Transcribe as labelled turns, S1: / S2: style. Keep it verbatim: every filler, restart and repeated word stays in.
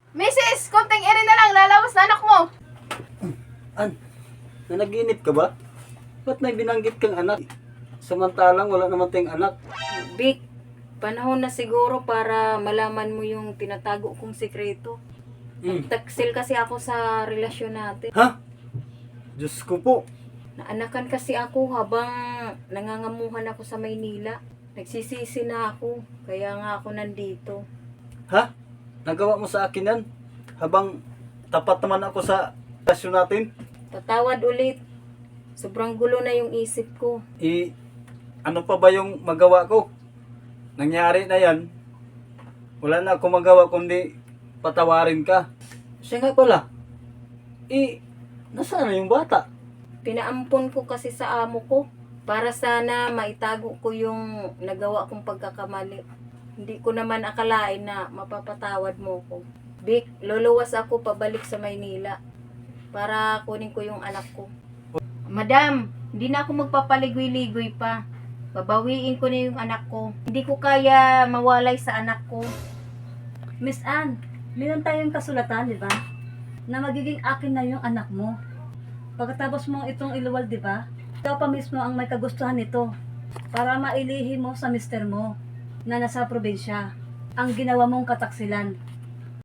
S1: Missus, konting eri na lang, lalawas na anak mo.
S2: An, nanaginip ka ba? Ba't may binanggit kang anak? Samantalang wala naman tayong anak.
S3: Vic, panahon na siguro para malaman mo yung tinatago kong sikreto.
S2: Hmm.
S3: Taksil kasi ako sa relasyon natin.
S2: Ha? Diyos ko po.
S3: Naanakan kasi ako habang nangangamuhan ako sa Maynila. Nagsisisi na ako, kaya nga ako nandito.
S2: Ha? Nagawa mo sa akin yan? Habang tapat naman ako sa relasyon natin?
S3: Tatawad ulit. Sobrang gulo na yung isip ko.
S2: I, ano pa ba yung magawa ko? Nangyari na yan. Wala na akong magawa kundi patawarin ka. Siya nga pala. I, nasaan na yung bata?
S3: Pinaampon ko kasi sa amo ko para sana maitago ko yung nagawa kong pagkakamali. Hindi ko naman akalain na mapapatawad mo ko. Vic, luluwas ako pabalik sa Maynila para kunin ko yung anak ko. Madam, hindi na ako magpapaligoy-ligoy pa. Babawiin ko na yung anak ko. Hindi ko kaya mawalay sa anak ko.
S4: Miss Anne, meron tayong kasulatan, di ba? Na magiging akin na yung anak mo. Pagkatapos mo itong iluwal, di ba? Ikaw pa mismo ang may kagustuhan nito para mailihi mo sa mister mo na nasa probinsya ang ginawa mong kataksilan.